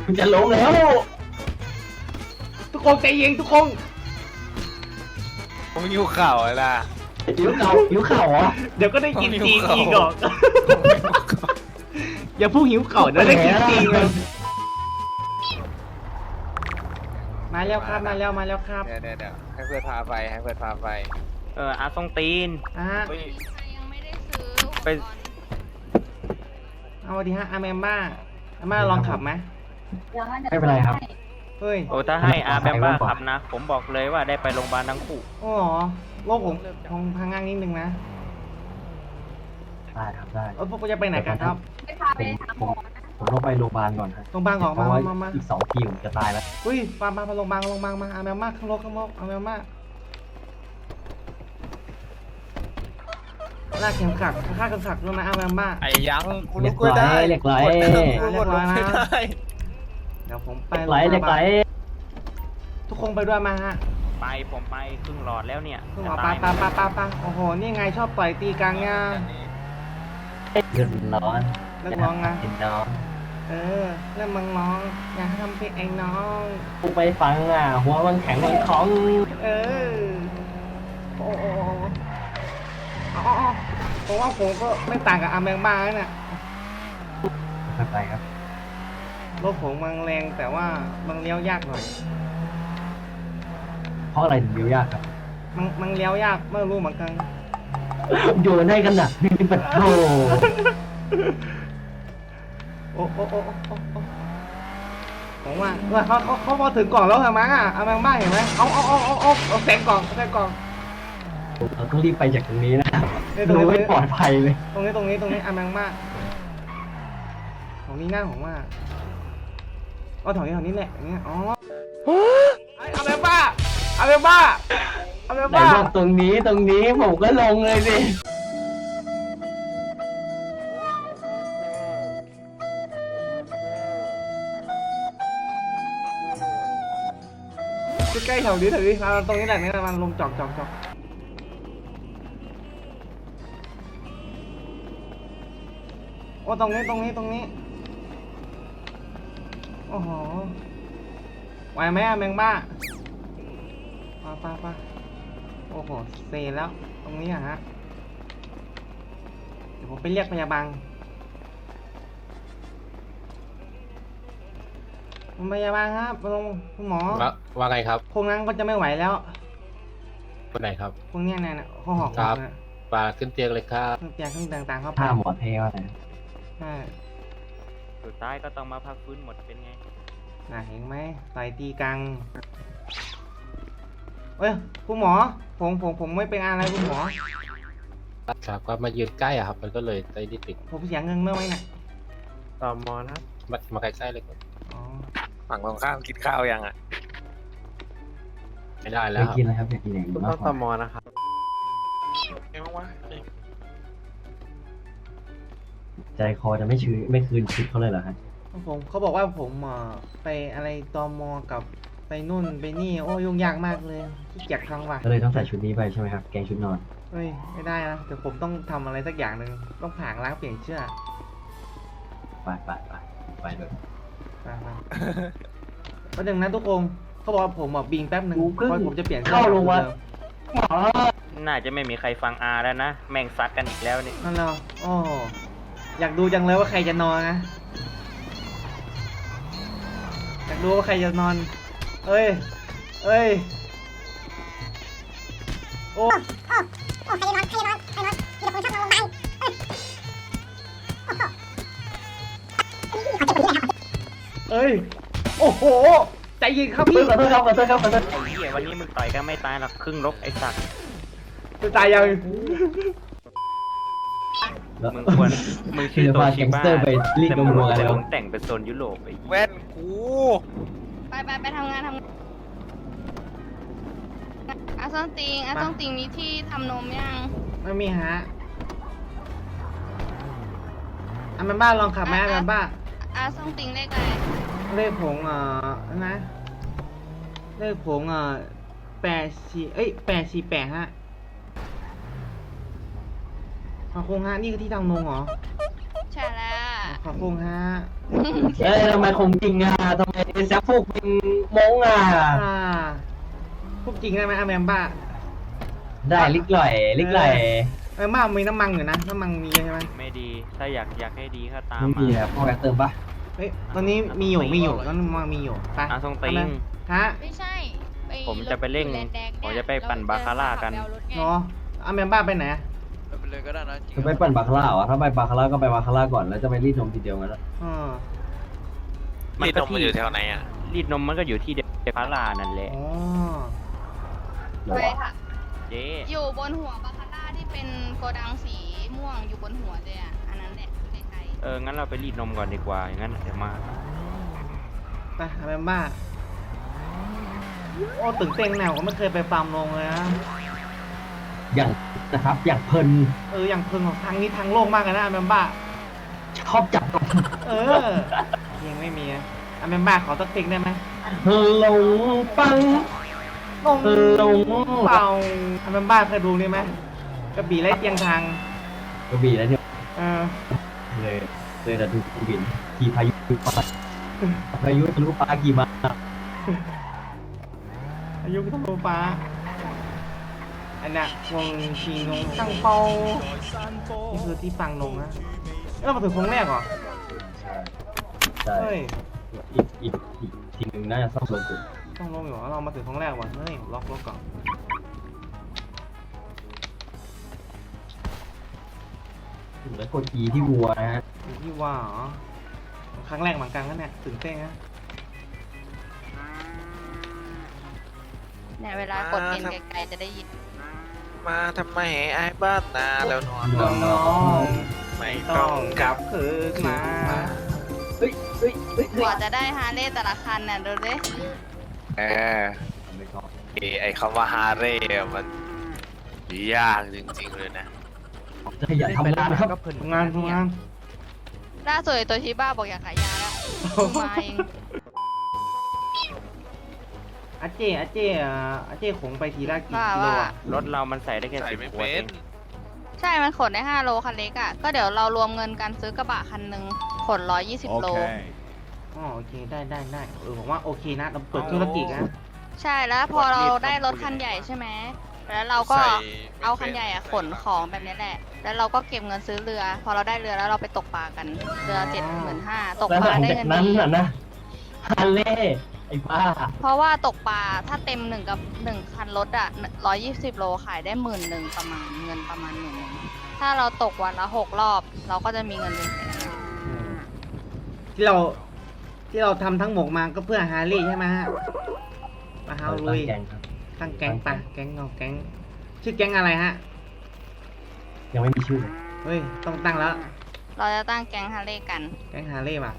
จะล้มแล้วทุกคนใจเย็นทุกคนผมหิวข่าวอะไรล่ะหิวเข่าเหรอเดี๋ยวก็ได้กินจีนผมหิวอีกข้าวหรอกอย่าพูดหิวเข่าเดี๋ยวได้กินจีนเลยมาแล้วครับมาแล้วครับเดี๋ยวให้เพื่อนพาไปอาทรงตีนอ่ะเฮ้ยยังไม่ได้ซื้อไปเอาดีฮะอาแมมบ้าอาม่าลองขับไหมไม่เป็นไรครับเฮ้ยโอ้ถ้าให้อาแบมบ้าขับนะ ผมบอกเลยว่าได้ไปโรงพยาบาลทั้งคู่โอ้โหโลกผมพังงานนิดนึงนะได้ครับได้พวกกูจะไปไหนกันครับไปพาไปหาหมอนะผมต้องไปโรงพยาบาลก่อนครับโรงพยาบาลออกเพมาราะว่ามาอีก2 ทีผมจะตายแล้วอุ้ยมาโรงพยาบาลมาอาแมมบ้าข้างโลกอาแมมบ้าลากเข็มขัดค่าเข็มขัดด้วยนะอาแมมบ้าไอ้ยังกูเหล็ลุกกไม่ได้เหล็กไหลเรียบร้อยนะไม่ได้เดี๋ยวผมไปเหล็กไหลทุกคนไปด้วยมาฮะผมไปครึ่งหลอดแล้วเนี่ยคุณหมจะอตายปาโอ้โห นี่ไงชอบต่อยตีกันไงเดือดร้อนเลิกร้องนะกินน้องเออเริ่มมึงร้อง อย่าทำเพลงไอ้น้องกูไปฟังหัวมันแข็งมันของเออ โอ้โอ้อ๋อผมว่าผมก็ไม่ต่างกับอาแมงบ้าเนี่ยไม่ไปครับรถผมมันแรงแต่ว่ามันเลี้ยวยากหน่อยเพราะอะไรถึงเดียวยากครับมันเลี้ยวยากไม่รู้เหมือนกันโยนให้กันหนักนี่เป็นโธ่โอ้ผมว่าเขาพอถึงกล่องแล้วเหรอมั้งอาแมงบ้าเห็นไหมเอาแสงกล่องเราต้องรีบไปจากตรงนี้นะเนี่ยดูไม่ปลอดภัยเลยตรงนี้อาแมงบ้าของนี้หน้าของว่าแถวนี้แหละอย่างเงี้ยอ๋ออาแมงบ้าไหนบอกตรงนี้ผมก็ลงเลยสิใกล้ๆแถวนี้มาตรงนี้แหละนี่มันลมจอกโอ้ตรงนี้โอ้โหไหวไหมอะแมงบ้าปาโอ้โหเซแล้วตรงนี้อะฮะเดี๋ยวผมไปเรียกพยาบาลคุณพยาบาลครับคุณหมอว่าไงครับคงนั้นก็จะไม่ไหวแล้วคนไหนครับพวกเนี้ยเนี่ยข้อหอกครับเนี่ยปาขึ้นเตียงเลยครับเครื่องเตียงเครื่องต่างๆเข้าไปถ้าหมอเทวะนะใช่สุดท้ายก็ต้องมาพักฟื้นหมดเป็นไงน่ะเห็นไหมต่อยตีกังเอ้ยคุณหมอผมไม่เป็นอะไรคุณหมอครับก็มายืนใกล้อะครับ มันก็เลยได้นิดติดผมเสียเงินเมื่อไหร่เนี่ยต่อมอนะมาใกล้ๆเลยครับอ๋อฝั่งตรงข้ามกินข้าวยังอ่ะไม่ได้เคแล้วยครับกินแล้วครับอยากกินอย่างอื่นมากกต่อว่ามอนะครับไงบ้างวะใจคอจะไม่คืนชุดเขาเลยเหรอฮะเขาบอกว่าผมไปอะไรตมกับไปนู่นไปนี่โอ้ยุ่งยากมากเลยขี้เกียจครั้งว่ะก็เลยต้องใส่ชุดนี้ไปใช่ไหมครับแกงชุดนอนเฮ้ยไม่ได้นะเดี๋ยวผมต้องทำอะไรสักอย่างหนึ่งต้องผางล้างเปลี่ยนเชือกไปเลยประเด็นนะทุกคนเขาบอกว่าผมบิงแป๊บหนึ่งกูเพิ่งเพราะผมจะเปลี่ยนเข้าโรงพยาบาล หมอน่าจะไม่มีใครฟังอาแล้วนะ แม่งซัดกันอีกแล้วนี่นั่นเหรอโอ้อยากดูจังเลยว่าใครจะนอนนะอยากดูว่าใครจะนอนเอ้ยโอ้เอ้ยโอ้โหใจเย็นครับพี่ขอโทษครับไอ้เหี้ยวันนี้มึงต่อยกันไม่ตายหรอกครึ่งรบไอ้สัตว์จะตายยังมึงชื่อโตชิบ้าไปรีดนมวัวกันแต่แล้วมึงแต่งเป็นโซนยุโรปไอ้เหี้ยแว่นกูไปทำงานอาส้งติงมีที่ทำนมยังไม่มีฮะอันมันบ้าลองขับไหมอันมันบ้าอาส้งติงเลขอะไรเลขผงนะเลขผง848ฮะขอบคุณฮะนี่คือที่ทำนมเหรอใช่แล้วขอบคุณฮะเอ้ยทำไมคงจริงอ่ะทำไมแซฟพวกเป็นมงอ่ะพูดจริงได้ไหมอาแมมบ้าได้ลิกหล่อยลิกหล่อยอาแมมบ้ามีน้ำมันอยู่นะน้ำมันมีเยอะใช่ไหมไม่ดี ถ้าอยากให้ดีก็ตามไม่มีมาอ่ะพ่อแกเติมปะเฮ้ยตอนนี้มีอยู่ตอนนี้มันมีอยู่ไปอาทรงติงฮะไม่ใช่ผมจะไปเร่งรถแดงๆผมจะไปปั่นบาคาร่ากันเรถไงเนาะอาแมมบ้าไปไหนไปเลยก็ได้นะจะไปปั่นบาคาร่าเหรอถ้าไปบาคาร่าก็ไปบาคาร่าก่อนแล้วจะไปรีดนมทีเดียวงั้นละนี่นมมันอยู่แถวไหนอ่ะรีดนมมันก็อยู่ที่เดคาร่านั่นแหละอ๋อไปค่ะเจ๊อยู่บนหัวบาคาร่าที่เป็นโกดังสีม่วงอยู่บนหัวเลยอ่ะ อันนั้นแหละไกลงั้นเราไปรีดนมก่อนดีกว่า อย่างนั้นเดี๋ยวมาไปอาแมมบ้าโอ้ตื่นเต้นแนวก็ไม่เคยไปฟาร์มลงเลยนะอย่างนะครับอย่างเพลินอย่างเพิ่งของทางนี้ทางโล่งมากเลยนะอาแมมบ้าชอบจับนมยังไม่มีอะอาแมมบ้าขอสักเพลงได้ไหมหลงปังลงหลงเป่าอาแมมบ้าเคยดูนี่ไหมกระบี่ไล่เตียงทางกระบี่แล้วเนี่ยเออเลยแต่ดูกระบี่ขี่พายุปลาพายุทะลุปลากี่มาอายุก็ต้องฟ้าอันน่ะวงชีนงตั้งเปานี่คือที่ฟังนงนะมาถึงโค้งแรกเหรอใช่เฮ้ยอีกทีหนึ่งน่าจะซ่อมลงสุดต้องลงอยู่เรามาถึงโค้งแรกว่ะเฮ้ยล็อกรถก่อนถึงแล้วกด E ที่วัวนะฮะอยู่ที่ว่าเหรอครั้งแรกเหมือนกันนะเนี่ยตื่นเต้นนะๆเนี่ยเวลากดเอ็นไกลๆจะได้ยินมาทำไมไอ้บ้านนาแล้วนอนน้องไม่ๆต้ต้ออง งกลับคืนมาเฮ้ยเฮ้ยเฮ้ยกว่าจะได้ฮาร์เลย์แต่ละคันน่ะดูดิเออไอ้คำว่าฮาเร่มันยากจริงๆเลยนะอย่าทำงานนะครับทำงานล่าสุดไอ้ตัวชิบ้าบอกอยากขายยาแล้วมาเองอาเจ้ขงไปทีละกี่ว่ากิโลว่าอ่ะรถเรามันใส่ได้แค่ใส่ 10 ไม่ขวดเป็เอน งใช่ มันขนได้5 โลคันเล็กอ่ะ ก็เดี๋ยวเรารวมเงินกันซื้อกระบะคันหนึ่งขน120 โลอ๋อโอเคได้ผมว่าโอเคนะเราเปิดธุรกิจนะใช่แล้วพอเราได้รถคันใหญ่ใช่ไหม แล้วเราก็ใส่เอาคันใหญ่อะขนของแบบนี้แหละ แล้วเราก็เก็บเงินซื้อเรือ พอเราได้เรือแล้วเราไปตกปลากัน เรือ75,000ตกแล้วปหลาลังได้จากเงินนั้นดีน่ะนะฮาเล่ไอ้บ้าเพราะว่าตกปลาถ้าเต็ม1 คันรถอะ120 โลขายได้11,000ประมาณเงินประมาณ11,000ถ้าเราตกวันละ6 รอบ เราก็จะมีเงินเป็นแสนที่เราทำทั้งหมดมาก็เพื่อฮาร์เลย์ใช่ไหมฮะมาฮาวลุยแกงครับตั้งแก๊งปะแก๊งเงาแก๊งชื่อแก๊งอะไรฮะยังไม่มีชื่อเฮ้ยต้องตั้งแล้วเราจะตั้งแก๊งฮาร์เลย์กันแก๊งฮาร์เลย์ป่ะ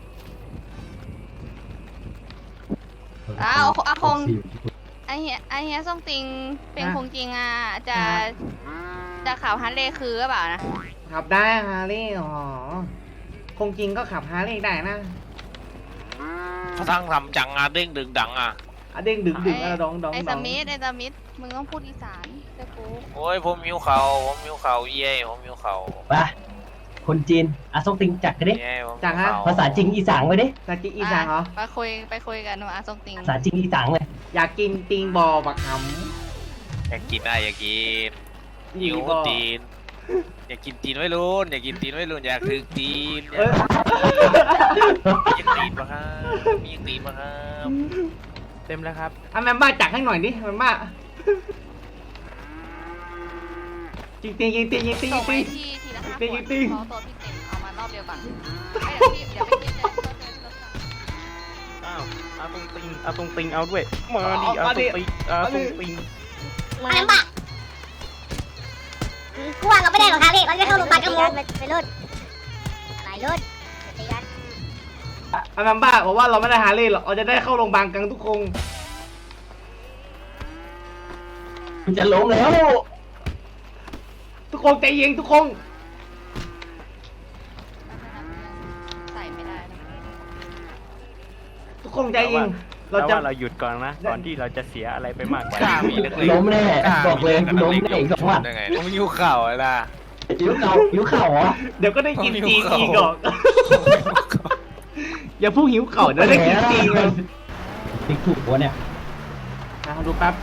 อ้าวอาคง ไอเฮียส่งติงเป็นคงจริงอ่ะจะข่าวฮาร์เลย์คือหรือเปล่านะขับได้ฮาร์เลย์อ๋อคงจริงก็ขับฮาร์เลย์ได้นะเขาทั้งทำจังอ่ะเด้งดึงดังอ่ะเด้งดึงอะไรดองไอสมิธมึงต้องพูดอีสานเจ้ากูโอ้ยผมหิวเข่าเย่ผมหิวเข่าไปคนจีนอาซงติงจักกันดิเย่ผมหิวเข่าภาษาจริงอีสานไปดิตะกี้อีสานเหรอไปคุยกันว่าอาส่งติงภาษาจริงอีสานเลยอยากกินติงบอบักหอยากกินได้อยากกินำหิวบอตีน อยากกินตีนไว้รุ่นอยากกินตีนไว้รุ่นอยากถึงตีนเอ้ยมียังตีนปะครับมียังตีนปะครับเต็มแล้วครับแมมบ้าจักให้หน่อยดิแมมบ้าจริงส่งไปที่ทีละ5 ขวดเพราะตัวพี่เต็มเอามารอบเดียวก่อนเดี๋ยวไปคิดเลยอ้าวอาตรงติงเอาด้วย มาดิอาตรงติงมาลำบากกลัวเราไม่ได้หรอกครับพี่เราจะเข้าโรงพยาบาลกันหมดไปรุ่นหลายรุ่นตีกันแมมบ้าบอกว่าเราไม่ได้ฮาร์เลย์หรอกเราจะได้เข้าโรงพยาบาลกันทุกคนมันจะล้มแล้วทุกคนใจเย็นทุกคนใส่ไม่ได้นะทุกคนใจเย็นเราเราจะจะเราหยุดก่อนนะ ก่อนที่เราจะเสียอะไรไปมากกว่ากล้ามีนี้นักเลงล้มแน่บอกเลยล้มแน่อีก2 วันได้ไงผมหิวเข่าอะนะหิวเข่าหิวเข่าเหรอเดี๋ยวก็ได้กินจีนอีกหรอกอย่าพูดหิวเข่าเดี๋ยวได้กินจีนเลยติ๊กถูกวะเนี่ยดูแป๊บ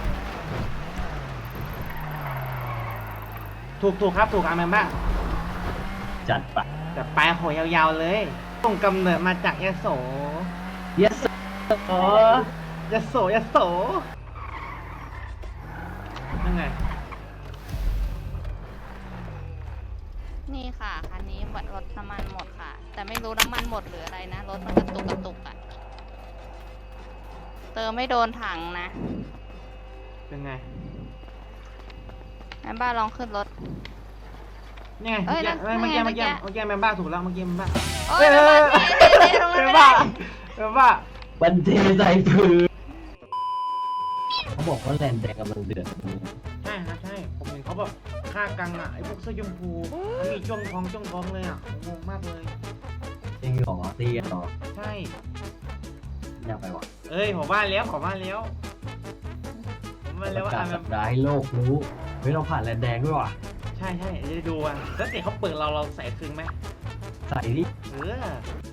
ถูกครับถูกอาแมนบ้างจัดไปแต่ปลายหอยยาวๆเลยต้นกำเนิดมาจากยโส yes อ๋อยโสนั่นไงนี่ค่ะคันนี้รถน้ำมันหมดค่ะ แต่ไม่รู้น้ำมันหมดหรืออะไรนะรถมันกระตุกอ่ะเติมไม่โดนถังนะเป็นไงแม่บ้าลองขึ้นรถนี่ไงเอ้ยนั่นเมื่อกี้เมื่อกี้แมนบ้าถูกแล้วเมื่อกี้แมนบ้าโอ้ยแม่บ้าเทตรงนั้นแมไม่นได้บ้าแมนบ้าบันเทใส่พื้นเขาบอกว่าแลนด์แดงกำลังเดือดใช่ครับใช่ผมเห็นเขาแบบฆ่ากังอ่ะไอ้พวกเสื้อชมพูมีจ้วงท้องเลยอ่ะงงมากเลยจริงเหรอตีกันเหรอใช่อยากไปวะเอ้ยผมว่าแล้วว่าประกาศแบสับปดาห์ให้โลกรู้เฮ้ยเราผ่านแลนด์แดงด้วยว่ะใช่จะดูอ่ะแล้วแต่เขาเปิดเราใส่คืนไหมใส่ดิเออ